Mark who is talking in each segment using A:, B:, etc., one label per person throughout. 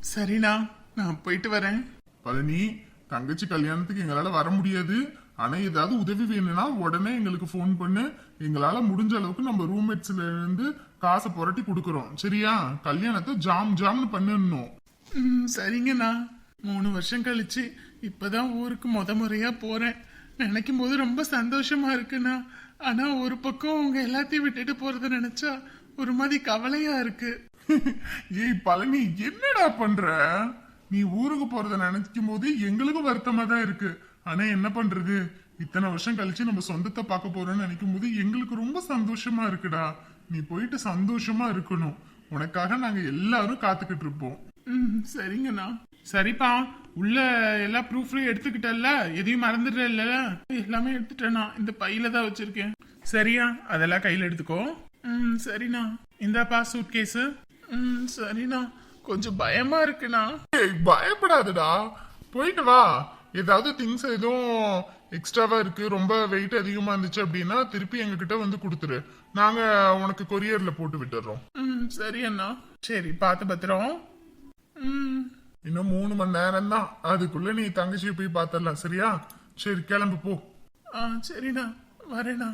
A: சரிண்ணா, நான் போயிட்டு வரேன்.
B: பழனி, தங்கச்சி கல்யாணத்துக்கு எங்களால வர முடியாது. ஆனா ஏதாவது உதவி வேணும்னா உடனே எங்களுக்கு ஃபோன் பண்ணு. எங்களால முடிஞ்ச அளவுக்கு நம்ம ரூம்மேட்ஸ்ல இருந்து காசை புரட்டி கொடுக்கறோம். சரியா? கல்யாணத்தை ஜாம்னு பண்ணணும்.
A: சரிங்கண்ணா. 3 வருஷம் கழிச்சு இப்பதான் ஊருக்கு முறையா போறேன். நினைக்கும் போது ரொம்ப சந்தோஷமா இருக்குண்ணா. ஆனா ஒரு பக்கம் உங்க எல்லாத்தையும் விட்டுட்டு போறத நினைச்சா ஒரு மாதிரி கவலையா இருக்கு.
B: ஏய் பழனி, என்னடா பண்ற? நீ ஊருக்கு போறத நினைக்கும் போது எங்களுக்கும் வருத்தமா தான் இருக்கு. ஆனா என்ன பண்றது, இத்தனை வருஷம் கழிச்சு நம்ம சொந்தத்தை பார்க்க போறோம்னு நினைக்கும் போது எங்களுக்கு ரொம்ப சந்தோஷமா இருக்குடா. நீ போயிட்டு சந்தோஷமா இருக்கணும். உனக்காக நாங்க எல்லாரும் காத்துக்கிட்டு இருப்போம்.
A: சரிங்கண்ணா. சரிப்பா, உள்ள எல்லா ப்ரூஃப்லயும் எடுத்துக்கிட்டல, எதையும் மறந்துடல? எல்லாமே எடுத்துட்டேண்ணா. இந்த பையில தான் வச்சிருக்கேன். சரியா? அதெல்லாம் கையில எடுத்துக்கோ. சரிண்ணா. இந்தாப்பா சூட் கேஸ். சரிண்ணா. கொஞ்சம் பயமா இருக்குண்ணா.
B: பயப்படாதடா, போயிட்டு வா. ஏதாவது திங்ஸ் எதுவும் எக்ஸ்ட்ராவா இருக்கு, ரொம்ப வெயிட் அதிகமா இருந்துச்சு அப்படின்னா திருப்பி எங்க கிட்ட வந்து கொடுத்துரு. நாங்க உனக்கு கொரியர்ல போட்டு விட்டுறோம்.
A: சரி அண்ணா. சரி, பார்த்து பத்திரம்.
B: இன்னும் 3 மணி நேரம் தான். அதுக்குள்ள நீ தங்கச்சியை போய் பாத்திரலாம். சரியா? சரி, கிளம்பு போ.
A: சரிண்ணா, வரேண்ணா.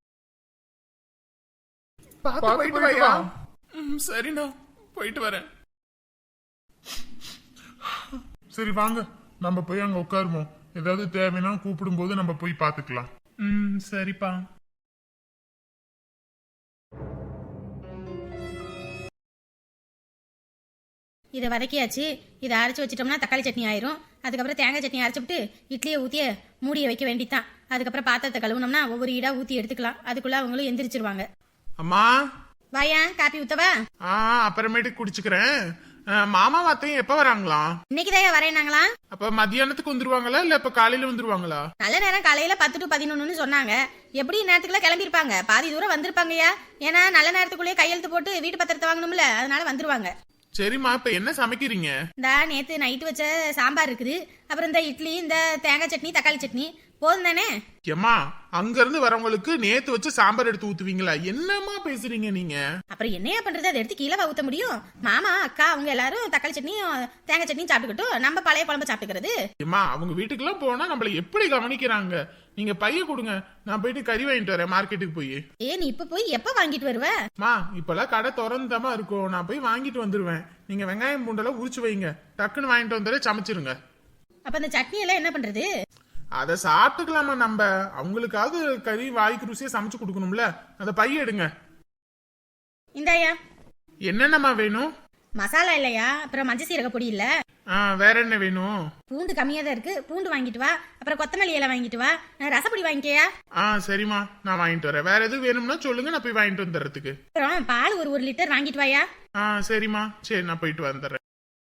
B: போயிட்டு வா.
A: சரிண்ணா, போயிட்டு வரேன்.
B: சரி வாங்க, நம்ம போய் அங்க உட்காருவோம். ஏதாவது தேவைன்னா கூப்பிடும் போது நம்ம போய் பாத்துக்கலாம்.
A: சரிப்பா.
C: இதை வதக்கியாச்சு. இதை அரைச்சி வச்சிட்டோம்னா தக்காளி சட்னி ஆயிரும். அதுக்கப்புறம் தேங்காய் சட்னி அரைச்சிவிட்டு இட்லியை ஊற்றிய மூடியை வைக்க வேண்டித்தான். அதுக்கப்புறம் பாத்திரத்தை கழுவுனோம்னா ஒவ்வொரு ஈடா ஊற்றி எடுத்துக்கலாம். அதுக்குள்ள அவங்களும் எந்திரிச்சிருவாங்க.
A: அம்மா,
C: வாயா காப்பி ஊத்தவா?
A: அப்புறமேட்டு குடிச்சுக்கிறேன். மாமா வாத்தையும் எப்ப வராங்களா?
C: இன்னைக்குதான் வரேனாங்களா?
A: அப்ப மத்தியானத்துக்கு வந்துருவாங்களா இல்ல இப்ப காலையில வந்துருவாங்களா?
C: நல்ல நேரம் காலையில 10 to 11 சொன்னாங்க. எப்படி நேரத்துக்குள்ள கிளம்பிருப்பாங்க. பாதி தூரம் வந்திருப்பாங்கயா. ஏன்னா நல்ல நேரத்துக்குள்ளேயே கையெழுத்து போட்டு வீட்டு பத்திரத்தை வாங்கணும்ல, அதனால வந்துருவாங்க.
A: சரிம்மா, இப்ப என்ன சமைக்கிறீங்க?
C: இந்த நேத்து நைட்டு வச்ச சாம்பார் இருக்குது. அப்புறம் இந்த இட்லி, இந்த தேங்காய் சட்னி, தக்காளி சட்னி போதும் தானே?
A: ஏம்மா, அங்க இருந்து வரவங்களுக்கு நேத்து வச்சு சாம்பார் எடுத்து ஊத்துவீங்களா? என்னம்மா பேசுறீங்க நீங்க?
C: அப்புறம் என்னையா பண்றது, அதை எடுத்து கீழே ஊத்த முடியும்? மாமா அக்கா அவங்க எல்லாரும் தக்காளி சட்னியும் தேங்காய் சட்னியும் சாப்பிட்டுக்கிட்டும் நம்ம பழைய குழம்பு சாப்பிட்டுக்கிறது.
A: ஏம்மா, அவங்க வீட்டுக்கெல்லாம் போனா நம்மள எப்படி கவனிக்கிறாங்க? நீங்க பைய கொடுங்க, நான் போயிட்டு கறி வாங்கிட்டு வரேன் மார்க்கெட்டுக்கு போய்.
C: நீ இப்ப போய் எப்ப வாங்கிட்டு வருவ?
A: மா, இப்பெல்லாம் கடை திறந்துதாமா இருக்கும். நான் போய் வாங்கிட்டு வந்துருவேன். நீங்க வெங்காயம் பூண்டெல்லாம் உரிச்சு வைங்க, டக்குன்னு வாங்கிட்டு வந்துட சமைச்சிருங்க.
C: அப்ப அந்த சட்னி எல்லாம் என்ன பண்றது?
A: அதை சாப்பிட்டுக்கலாமா நம்ம? அவங்களுக்காவது கறி வாய்க்கு ருசியா சமைச்சு கொடுக்கணும்ல. அந்த பைய எடுங்க.
C: இந்தாயா.
A: என்னென்னமா வேணும்?
C: மசாலா இல்லையா? அப்புறம் மஞ்சள் சீரக பொடி இல்ல.
A: வேற என்ன வேணும்?
C: பூண்டு கம்மியா தான் இருக்கு, பூண்டு வாங்கிட்டு வா. அப்புறம் கொத்தமல்லி இலை வாங்கிட்டு வா. ரசப்பொடி வாங்கிக்கையா?
A: சரிம்மா, நான் வாங்கிட்டு வரேன். வேற எதுவும் வேணும்னா சொல்லுங்க, நான் போய் வாங்கிட்டு வந்துடுறதுக்கு.
C: அப்புறம் பால் ஒரு லிட்டர் வாங்கிட்டு வாயா.
A: சரிம்மா, சரி, நான் போயிட்டு வந்துடுறேன்.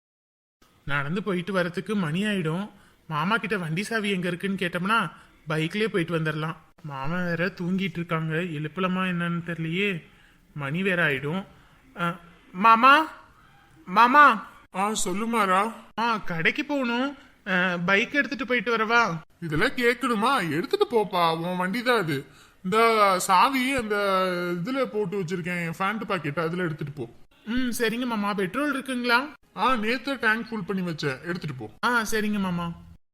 A: நடந்து போயிட்டு வரதுக்கு மணி ஆயிடும். மாமா கிட்ட வண்டி சாவி எங்க இருக்குன்னு கேட்டோம்னா பைக்லயே போயிட்டு வந்துடலாம். மாமா வேற தூங்கிட்டு இருக்காங்க, எழுப்பலமா என்னன்னு தெரியலையே. மணி வேற ஆயிடும். மாமா மாமா.
B: சொல்லுமாரா?
A: கடைக்கு போகணும். பைக் எடுத்துட்டு போயிட்டு வரவா?
B: இதெல்லாம் கேட்கணுமா? எடுத்துட்டு போப்பா, உன் வண்டி தான் அது. இந்த சாவி அந்த இதுல போட்டு வச்சிருக்கேன், ஃபேண்ட் பாக்கெட், அதுல எடுத்துட்டு போ.
A: சரிங்க மாமா. பெட்ரோல் இருக்குங்களா?
B: நேத்து டேங்க் ஃபுல் பண்ணி வச்சேன், எடுத்துட்டு போ.
A: சரிங்க மாமா.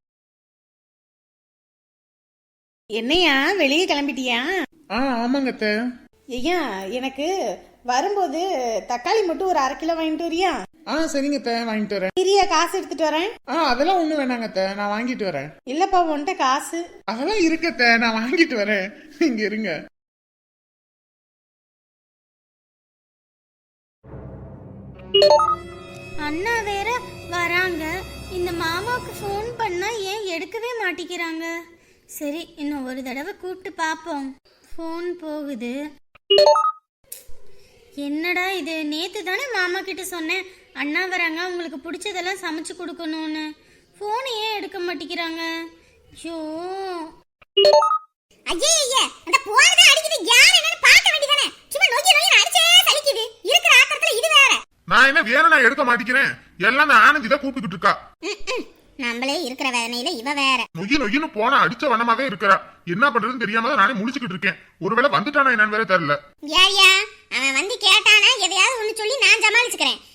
C: என்னையா வெளியே கிளம்பிட்டியா?
A: ஆமாங்க அத்தை.
C: ஐயா, எனக்கு வரும்போது தக்காளி மட்டும் ஒரு 1/2 கிலோ வாங்கிட்டு வரியா?
A: சரிங்க அத்தை, வாங்கிட்டு வரேன்.
C: பிரியா காசு எடுத்துட்டு வரேன்.
A: அதெல்லாம் ஒண்ணு வேணாங்க அத்தை, நான் வாங்கிட்டு வரேன்.
C: இல்லப்பா, உன்கிட்ட காசு
A: அதெல்லாம் இருக்கு அத்தை, நான் வாங்கிட்டு வரேன். இங்க இருங்க.
D: அண்ணா வேற வராங்க. இந்த மாமாவுக்கு ஃபோன் பண்ணா ஏன் எடுக்கவே மாட்டேங்கிறாங்க? சரி, இன்னும் ஒரு தடவை கூப்பிட்டு பார்ப்போம். ஃபோன் போகுது. என்னடா இது, நேத்து தானே மாமா கிட்ட சொன்னேன் அண்ணா வராங்க, உங்களுக்கு பிடிச்சதெல்லாம் சமைச்சு கொடுக்கணும்னு. ஃபோன் ஏன் எடுக்க மாட்டேங்கிறாங்க? ஐயோ,
E: ஐயே, அந்த போனதே அடிக்குது. யார் என்னன்னு பார்க்க வேண்டியதானே? சும்மா நோக்கி அடிச்சே சலிக்குது. இருக்கிற ஆத்திரத்துல இது வேற.
B: நான் என்ன வேற நான் எடுக்க மாட்டேங்கிறேன். எல்லாம் நான் ஆனந்தி தான் கூப்பிட்டுக்கிட்டு இருக்கா.
E: நம்மளே இருக்கிற வேதனையில இவ வேற.
B: நொய்யு போனா அடிச்ச வண்ணமாவே இருக்கிறா. என்ன பண்றதுன்னு தெரியாம தான் நானே முழிச்சுக்கிட்டு இருக்கேன். ஒருவேளை வந்துட்டானா என்னன்னு வேற தெரியல.
E: ஏயா, அவன் வந்து கேட்டானா எதையாவது ஒண்ணு சொல்லி நான் சமாளிச்சுக்கிறேன்.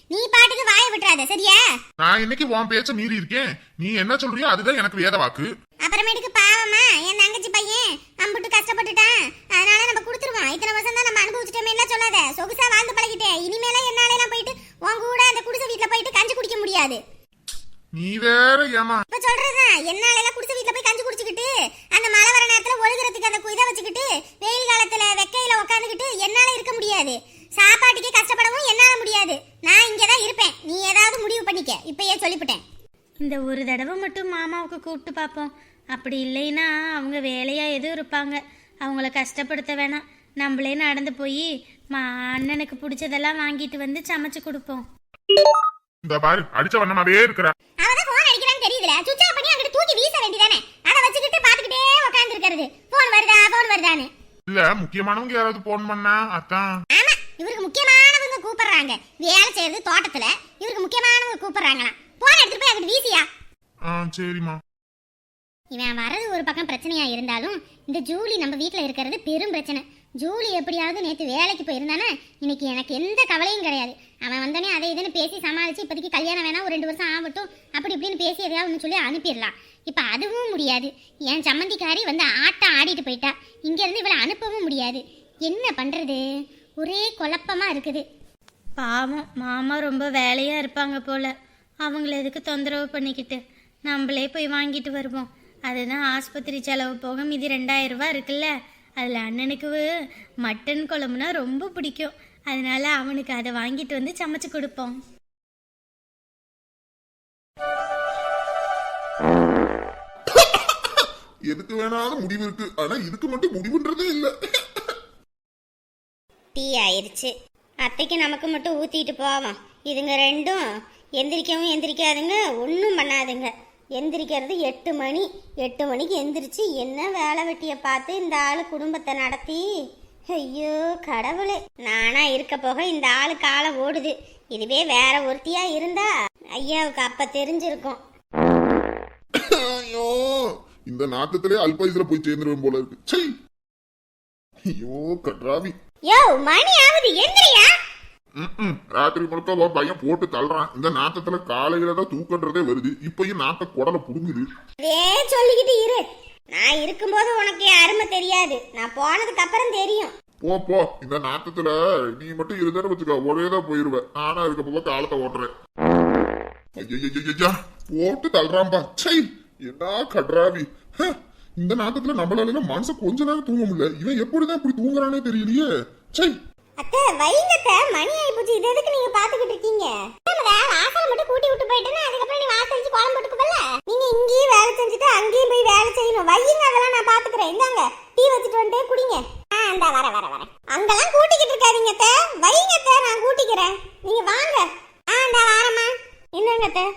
E: நீ பாட்டுக்கு வாயை விட்டுறாத சரியா?
B: நான் இன்னைக்கு உன் பேச்ச மீறி இருக்கேன். நீ என்ன சொல்றியோ அதுதான் எனக்கு வேத வாக்கு.
E: அப்புறமேட்டுக்கு பாவமா என் தங்கச்சி பையன் அம்புட்டு கஷ்டப்பட்டுட்டான், அதனால நம்ம கொடுத்துருவோம். இத்தனை வருஷம் தான் நம்ம அனுபவிச்சிட்டோமே எல்லாம் சொல்லாத. சொகுசா வாழ்ந்து பழகிட்டேன். இனிமேல என்னால எல்லாம் போயிட்டு உன் கூட அந்த குடிசை வீட்டுல போயிட்டு கஞ்சி குடிக்க முடியாது.
B: நீ வேற ஏமா
E: இப்ப சொல்றதுதான், என்னால எல்லாம் குடிசை வீட்டுல போய் கஞ்சி குடிச்சுக்கிட்டு அந்த மழை வர நேரத்துல ஒழுகுறதுக்கு அந்த இதை வச்சுக்கிட்டு வெயில் காலத்துல வெக்கையில உட்காந்துக்கிட்டு என்னால இருக்க முடியாது. சாப்பாட்டுக்கே கஷ்டப்படவும் என்னால முடியாது. நான் இங்கதான் இருப்பேன். நீ ஏதாவது முடிவு பண்ணிக்க, இப்பயே சொல்லிவிட்டேன்.
C: இந்த ஒரு தடவை மட்டும் மாமாவுக்கு கூப்பிட்டு பார்ப்போம். அப்படி இல்லைன்னா அவங்க வேலையாக எதுவும் இருப்பாங்க, அவங்கள கஷ்டப்படுத்த வேணாம். நம்மளே நடந்து போய் அண்ணனுக்கு பிடிச்சதெல்லாம் வாங்கிட்டு வந்து சமைச்சு கொடுப்போம்.
B: இந்த பாரு அடிச்ச வண்ணமாவே இருக்கிற.
E: அவதான் போன் அடிக்கிறான்னு தெரியுதுல, சுவிட்ச் ஆஃப் பண்ணி அங்கிட்டு தூக்கி வீச வேண்டியதானே. அதை வச்சுக்கிட்டு பாத்துக்கிட்டே உட்கார்ந்து இருக்கிறது. போன் வருதான்னு
B: இல்ல முக்கியமானவங்க யாராவது போன் பண்ணா அதான்.
E: ஆமா, இவருக்கு முக்கியமானவங்க கூப்பிடுறாங்க. வேலை செய்யறது தோட்டத்துல, இவருக்கு முக்கியமானவங்க கூப்பிடுறாங்களாம். போன் எடுத்துட்டு போய் அங்கிட்டு வீசியா.
B: சரிம்மா.
E: இவன் வர்றது ஒரு பக்கம் பிரச்சனையா இருந்தாலும் இந்த ஜூலி நம்ம வீட்டுல இருக்கிறது பெரும் பிரச்சனை. ஜூலி எப்படியாவது நேற்று வேலைக்கு போயிருந்தானே, இன்னைக்கு எனக்கு எந்த கவலையும் கிடையாது. அவன் வந்தோடனே அதை இதுன்னு பேசி சமாளிச்சு இப்போதைக்கு கல்யாணம் வேணா ஒரு 2 வருஷம் ஆகட்டும் அப்படி இப்படின்னு பேசி எதையாவது சொல்லி அனுப்பிடலாம். இப்போ அதுவும் முடியாது. என் சம்மந்திக்காரி வந்து ஆட்டம் ஆடிட்டு போயிட்டா. இங்கேருந்து இவளை அனுப்பவும் முடியாது. என்ன பண்ணுறது, ஒரே குழப்பமாக இருக்குது.
C: பாவம் மாமா ரொம்ப வேலையாக இருப்பாங்க போல். அவங்கள எதுக்கு தொந்தரவு பண்ணிக்கிட்டு, நம்மளே போய் வாங்கிட்டு வருவோம். அதுதான் ஆஸ்பத்திரி செலவு போக மீதி 2000 ரூபா இருக்குல்ல. அதில் அண்ணனுக்கு மட்டன் குழம்புனா ரொம்ப பிடிக்கும். அதனால அவனுக்கு அதை வாங்கிட்டு வந்து சமைச்சு கொடுப்போம்.
B: எதுக்கு வேணாலும் முடிவு இருக்கு, ஆனா இதுக்கு மட்டும் முடிவுன்றதே இல்ல.
E: டீ ஆயிருச்சு. அத்தைக்கு நமக்கு மட்டும் ஊத்திட்டு போவோம். இதுங்க ரெண்டும் எந்திரிக்கவும் எந்திரிக்காதுங்க, ஒன்றும் பண்ணாதுங்க. எந்திரிக்கிறது 8 மணி. 8 மணிக்கு எந்திரிச்சு என்ன வேலை வெட்டியை பார்த்து இந்த ஆளு குடும்பத்தை நடத்தி. ஐயோ கடவுளே, நானா இருக்க போக இந்த ஆளு காலம் ஓடுது. இதுவே வேற ஒருத்தியா இருந்தா ஐயாவுக்கு அப்ப தெரிஞ்சிருக்கும்.
B: ஐயோ இந்த நாட்டத்திலே அல்பாயுசுல போய் சேர்ந்துருவேன் போல இருக்கு. ஐயோ கட்ராவி.
E: யோ மணி ஆகுது, எந்திரியா.
B: ராத்திரி முழுக்க பையன் போட்டு தள்ளுறான். இந்த நாட்டத்துல காலையில தான் தூக்கன்றதே வருது. இப்பயும் நாட்டை குடலை புடுங்குது.
E: சொல்லிக்கிட்டு இரு. நான் இருக்கும்போது உனக்கு அருமை தெரியாது, நான் போனதுக்கு அப்புறம் தெரியும்.
B: போ இந்த நாட்டத்துல நீ மட்டும் இருந்தேன்னு வச்சுக்க, ஒரேதான் போயிருவேன். ஆனா இருக்க போக காலத்தை ஓட்டுறேன். ஐயா போட்டு தள்ளுறான்பா. என்ன கட்ராவி. இந்த நாட்டத்துல நம்மளால மனச கொஞ்ச நேரம் தூங்க முடியல. இவன் எப்படிதான் இப்படி தூங்குறானே தெரியலையே.
E: அத்தை வைங்கத்த, மணி ஆயி போச்சு. இது எதுக்கு நீங்க பாத்துக்கிட்டு இருக்கீங்க? வாசல் மட்டும் கூட்டி விட்டு போயிட்டேன்னா அதுக்கப்புறம் நீ வாசல் வச்சு குழம்பு போட்டுக்கல. நீங்க இங்கேயும் வேலை செஞ்சுட்டு அங்கேயும் போய் வேலை செய்யணும். வையுங்க, அதெல்லாம் நான் பாத்துக்கிறேன். இந்தாங்க டீ வச்சுட்டு வந்துட்டு குடிங்க. இந்த வர அங்கெல்லாம் கூட்டிக்கிட்டு இருக்காதீங்க அத்தை. வைங்க அத்தை, நான் கூட்டிக்கிறேன். நீங்க வாங்க. இந்த வாரம்மா. என்னங்க அத்தை,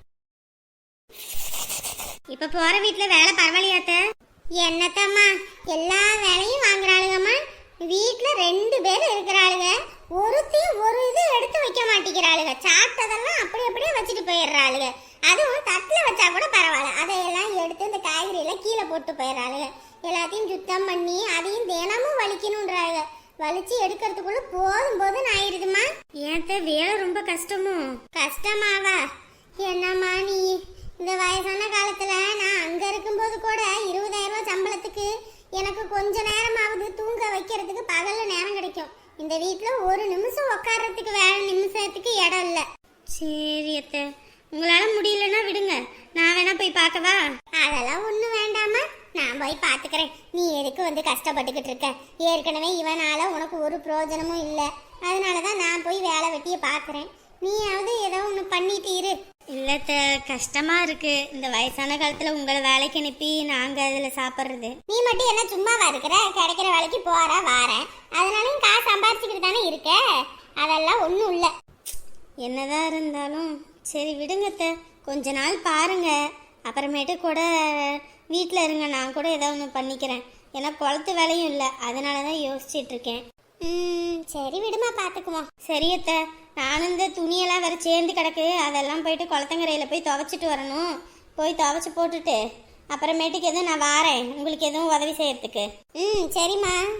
E: இப்ப போற வீட்டுல வேலை பரவாயில்லையா அத்தை? என்னத்தம்மா எல்லா வேலையும் வாங்குறாளுங்கம்மா. வீட்டுல 2 பேர் இருக்கிறாளுங்க. ஒருத்தையும் ஒரு இது எடுத்து வைக்க மாட்டேங்கிறாளுங்க. சாப்பிட்டதெல்லாம் அப்படியே வச்சுட்டு போயிடுறாளுங்க. அதுவும் தட்டுல வச்சா கூட பரவாயில்ல, அதையெல்லாம் எடுத்து இந்த காய்கறி எல்லாம் கீழே போட்டு போயிடுறாளுங்க. எல்லாத்தையும் சுத்தம் பண்ணி அதையும் தினமும் வலிக்கணும்ன்றாளுங்க. வலிச்சு எடுக்கிறதுக்குள்ள போதும் ஆயிடுதுமா. ஏன் வேலை ரொம்ப கஷ்டமாவா? என்னம்மா நீ இந்த வயசான காலத்துல நான் அங்க இருக்கும்போது கூட 20,000 ரூபாய் சம்பளத்துக்கு எனக்கு கொஞ்ச நேரமாவது தூங்க வைக்கிறதுக்கு பகல்ல நேரம் கிடைக்கும். இந்த வீட்டுல ஒரு நிமிஷம் உட்கார்றதுக்கு வேற நிமிஷத்துக்கு இடம் இல்ல. சரி அத்தை, உங்களால முடியலன்னா விடுங்க, நான் வேணா போய் பார்க்கவா? அதெல்லாம் ஒண்ணும் வேண்டாமா, நான் போய் பாத்துக்கிறேன். நீ எதுக்கு வந்து கஷ்டப்பட்டுக்கிட்டு இருக்க? ஏற்கனவே இவனால உனக்கு ஒரு பிரயோஜனமும் இல்ல. அதனாலதான் நான் போய் வேலை வெட்டிய பாக்குறேன். நீயாவது ஏதோ ஒண்ணு பண்ணிட்டு இரு. இல்லத்த, கஷ்டமா இருக்கு இந்த வயசான காலத்துல உங்களை வேலைக்கு அனுப்பி நாங்க அதுல சாப்பிடுறது. நீ மட்டும் என்ன சும்மாவா இருக்கிற? கிடைக்கிற வேலைக்கு போற வார, அதனாலும் காசு சம்பாரிச்சுக்கிட்டு தானே இருக்க. அதெல்லாம் ஒண்ணும் இல்ல. என்னதான் இருந்தாலும் சரி விடுங்கத்த, கொஞ்ச நாள் பாருங்க, அப்புறமேட்டு கூட வீட்டில் இருங்க. நான் கூட ஏதாவது ஒன்று பண்ணிக்கிறேன். ஏன்னா குளத்து வேலையும் இல்லை, அதனாலதான் யோசிச்சுட்டு இருக்கேன். சரி விடுமா, பாத்துக்குவோம். சரியத்த, நானும் இந்த துணியெல்லாம் வேற சேர்ந்து கிடக்கு, அதெல்லாம் போயிட்டு குளத்தங்கரையில் போய் துவைச்சிட்டு வரணும். போய் துவைச்சி போட்டுட்டு அப்புறமேட்டுக்கு எதுவும் நான் வாரேன் உங்களுக்கு எதுவும் உதவி செய்யறதுக்கு. சரிம்மா.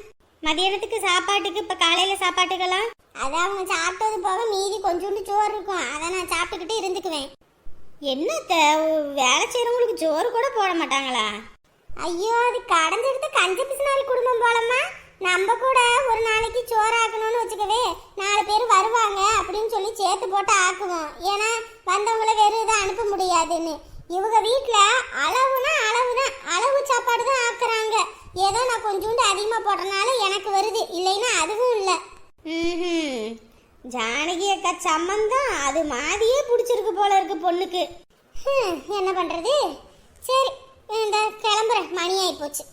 E: மதியானத்துக்கு சாப்பாட்டுக்கு இப்ப காலையில சாப்பாட்டுக்கெல்லாம் அதை அவங்க சாப்பிட்டது போக மீதி கொஞ்சோண்டு சோறு இருக்கும், அதை நான் சாப்பிட்டுக்கிட்டு இருந்துக்குவேன். என்னத்த வேலை செய்யறவங்களுக்கு சோறு கூட போட மாட்டாங்களா? ஐயோ, அது கடந்தெடுத்து கஞ்ச பிசினாரி குடும்பம் போலமா. நம்ம கூட ஒரு நாளைக்கு சோறு ஆக்கணும்னு வச்சுக்கவே 4 பேர் வருவாங்க அப்படின்னு சொல்லி சேர்த்து போட்டு ஆக்குவோம். ஏன்னா வந்தவங்கள வெறும் இதை அனுப்ப முடியாதுன்னு. இவங்க வீட்டுல அளவுனா அளவுதான், அளவு சாப்பாடு தான் ஆக்குறாங்க. ஏதோ நான் கொஞ்சோண்டு அதிகமா போடுறதுனால எனக்கு வருது, இல்லைன்னா அதுவும் இல்லை. ஜானகி அக்கா சம்மந்தம் அது மாதிரியே பிடிச்சிருக்கு போல இருக்கு பொண்ணுக்கு. என்ன பண்றது? சரி, இந்த கிளம்புறேன், மணி ஆகி போச்சு.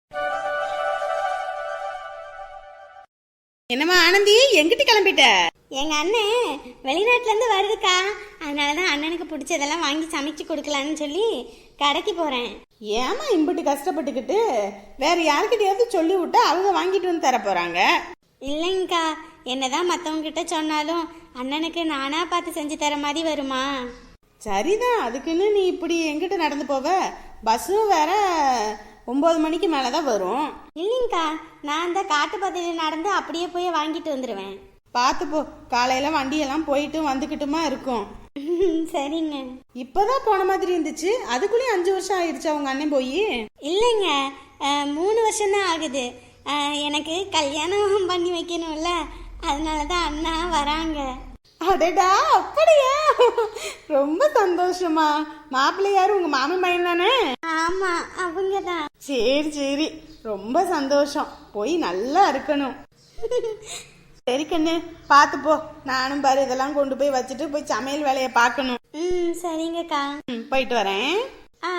F: என்னம்மா ஆனந்தி, எங்கிட்டு கிளம்பிட்ட?
C: எங்க அண்ணன் வெளிநாட்டுல இருந்து வருதுக்கா, அதனாலதான் அண்ணனுக்கு பிடிச்சதெல்லாம் வாங்கி சமைச்சு கொடுக்கலான்னு சொல்லி கடைக்கு போறேன்.
F: ஏமா இம்பிட்டு கஷ்டப்பட்டுக்கிட்டு? வேற யாருக்கிட்டையாவது சொல்லி விட்டா அவங்க வாங்கிட்டு வந்து தர போறாங்க.
C: இல்லைங்கக்கா, என்னதான் மற்றவங்க கிட்ட சொன்னாலும் அண்ணனுக்கு நானா பார்த்து செஞ்சு தர மாதிரி வருமா?
F: சரிதான், அதுக்குன்னு நீ இப்படி எங்கிட்ட நடந்து போவ? பஸ்ஸும் வேற 9 மணிக்கு மேலதான் வரும்.
C: இல்லைங்கக்கா, நான் அந்த காட்டு பகுதியில் நடந்து அப்படியே போய் வாங்கிட்டு வந்துடுவேன்.
F: பார்த்து போ, காலையில வண்டியெல்லாம் போயிட்டு வந்துக்கிட்டுமா இருக்கும்.
C: சரிங்க.
F: இப்பதான் போன மாதிரி இருந்துச்சு, அதுக்குள்ளேயும் 5 வருஷம் ஆயிடுச்சு அவங்க அண்ணன் போய்.
C: இல்லைங்க, 3 வருஷம்தான் ஆகுது. எனக்கு கல்யாணம் பண்ணி வைக்கணும்ல, அதனால தான் அண்ணா வராங்க.
F: அடடா, அப்படியா? ரொம்ப சந்தோஷமா. மாப்பிள்ளை யாரு? உங்க மாமி பையன் தானே?
C: ஆமா, அவங்க தான்.
F: சரி சரி, ரொம்ப சந்தோஷம். போய் நல்லா இருக்கணும். சரி கண்ணு, பார்த்து போ. நானும் பாரு இதெல்லாம் கொண்டு போய் வச்சுட்டு போய் சமையல் வேலையை பார்க்கணும்.
C: சரிங்கக்கா.
F: போயிட்டு வரேன்.
C: ஆ.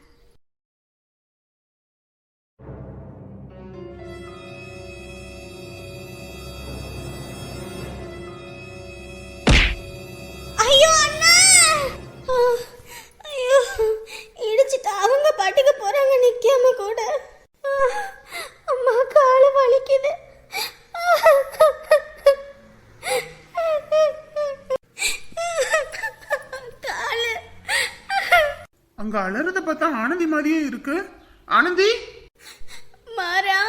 D: ஐயோ அண்ணா, ஐயோ இடிச்சிட்டு அவங்க பாட்டுக்கு போறாங்க, நிக்காம கூட. அம்மா, காலு வலிக்குது. காலு.
A: அங்க அலறத பார்த்தா ஆனந்தி மாதிரியே இருக்கு. ஆனந்தி,
D: மாறா.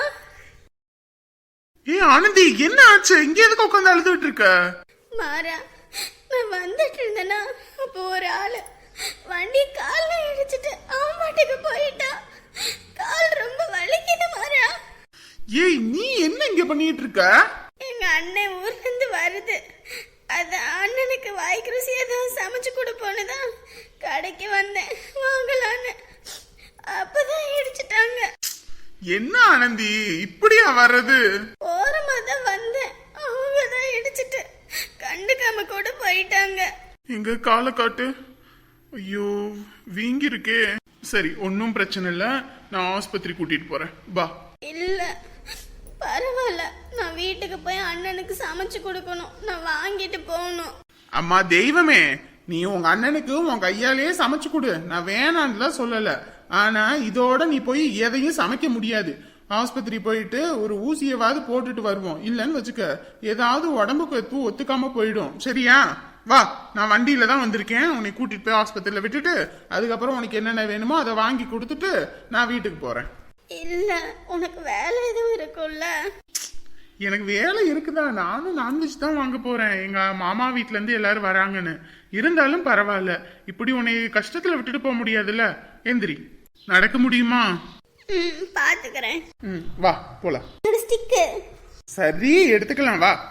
A: ஆனந்தி, என்ன ஆச்சு? இங்க எதுக்கு உட்காந்து அழுதுட்டு இருக்க?
D: மாறா, நான் வந்துட்டு இருந்தேன்னா அப்போ ஒரு ஆளு வண்டி கால்ல இடிச்சிட்டு அவன் பாட்டுக்கு போயிட்டான். கால் ரொம்ப வலிக்குது மாறா.
A: ஏய், நீ என்ன இங்க பண்ணிட்டு இருக்க?
D: எங்க அண்ணன் ஊர்ல இருந்து வருது, அது அண்ணனுக்கு வாய்க்கு ருசி ஏதாவது சமைச்சு கொடுப்போன்னுதான் கடைக்கு வந்தேன் வாங்கலான்னு. அப்பதான் இடிச்சிட்டாங்க.
A: என்ன ஆனந்தி, இப்படியா வர்றது?
D: ஓரமா தான் வந்தேன், அவங்க தான் இடிச்சிட்டு கண்டுக்காம கூட போயிட்டாங்க.
A: எங்க காலை காட்டு. ஐயோ, வீங்கி இருக்கே. சரி, ஒன்னும் பிரச்சனை இல்ல, நான் ஆஸ்பத்திரி கூட்டிட்டு போறேன், வா.
D: இல்ல பரவாயில்ல, நான் வீட்டுக்கு போய் அண்ணனுக்கு சமைச்சு கொடுக்கணும், நான் வாங்கிட்டு போகணும்.
A: அம்மா தெய்வமே, நீ உங்க அண்ணனுக்கு உன் கையாலேயே சமைச்சு கொடு, நான் வேணான்னு சொல்லல. ஆனா இதோட நீ போய் எதையும் சமைக்க முடியாது. ஆஸ்பத்திரி போயிட்டு ஒரு ஊசியவாது போட்டுட்டு வருவோம். இல்லன்னு வச்சுக்க, ஏதாவது உடம்புக்கு ஒத்துக்காம போயிடும். சரியா? வா, நான் வண்டியில தான் வந்திருக்கேன். உன்னை கூட்டிட்டு போய் ஆஸ்பத்திரியில விட்டுட்டு அதுக்கப்புறம் உனக்கு என்னென்ன வேணுமோ அதை வாங்கி கொடுத்துட்டு நான் வீட்டுக்கு போறேன்.
D: இல்ல, உனக்கு வேலை எதுவும் இருக்கும்ல?
A: எனக்கு வேலை இருக்குதா, நானும் நான்வெஜ் தான் வாங்க போறேன். எங்க மாமா வீட்ல இருந்து எல்லாரும் வராங்கன்னு. இருந்தாலும் பரவாயில்ல, இப்படி உன்னை கஷ்டத்துல விட்டுட்டு போக முடியாதுல்ல. எந்திரி, நடக்க முடியுமா?
D: பாத்துக்கிறேன்.
A: வா போலாம்.
D: ஸ்டிக்கு.
A: சரி, எடுத்துக்கலாம், வா.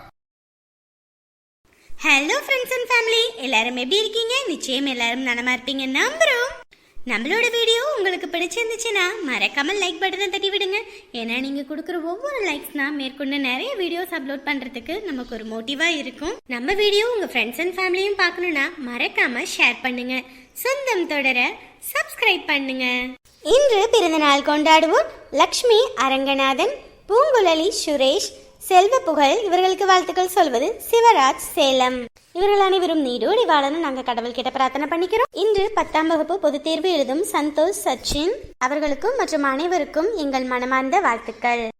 C: ஹலோ ஃப்ரெண்ட்ஸ் அண்ட் ஃபேமிலி, எல்லாரும் எப்படி இருக்கீங்க? நிச்சயம் எல்லாரும் நலமா இருப்பீங்க நம்புறோம். நம்மளோட வீடியோ உங்களுக்கு பிடிச்சிருந்துச்சுன்னா மறக்காம லைக் பட்டனை தட்டி விடுங்க. ஏன்னா நீங்க கொடுக்குற ஒவ்வொரு லைக்ஸ்னா மேற்கொண்டு நிறைய வீடியோஸ் அப்லோட் பண்றதுக்கு நமக்கு ஒரு மோட்டிவா இருக்கும். நம்ம வீடியோ உங்க ஃப்ரெண்ட்ஸ் அண்ட் ஃபேமிலியும் பார்க்கணும்னா மறக்காம ஷேர் பண்ணுங்க. சொந்தம் தொடர சப்ஸ்கிரைப் பண்ணுங்க. இன்று பிறந்தநாள் கொண்டாடுவோர் லக்ஷ்மி அரங்கநாதன், பூங்குழலி சுரேஷ், செல்வ புகழ். இவர்களுக்கு வாழ்த்துக்கள் சொல்வது சிவராஜ் சேலம். இவர்கள் அனைவரும் நீடோடி வாழணும் நாங்க கடவுள் கிட்ட பிரார்த்தனை பண்ணிக்கிறோம். இன்று 10ஆம் வகுப்பு பொதுத் தேர்வு எழுதும் சந்தோஷ் சச்சின் அவர்களுக்கும் மற்றும் அனைவருக்கும் எங்கள் மனமார்ந்த வாழ்த்துக்கள்.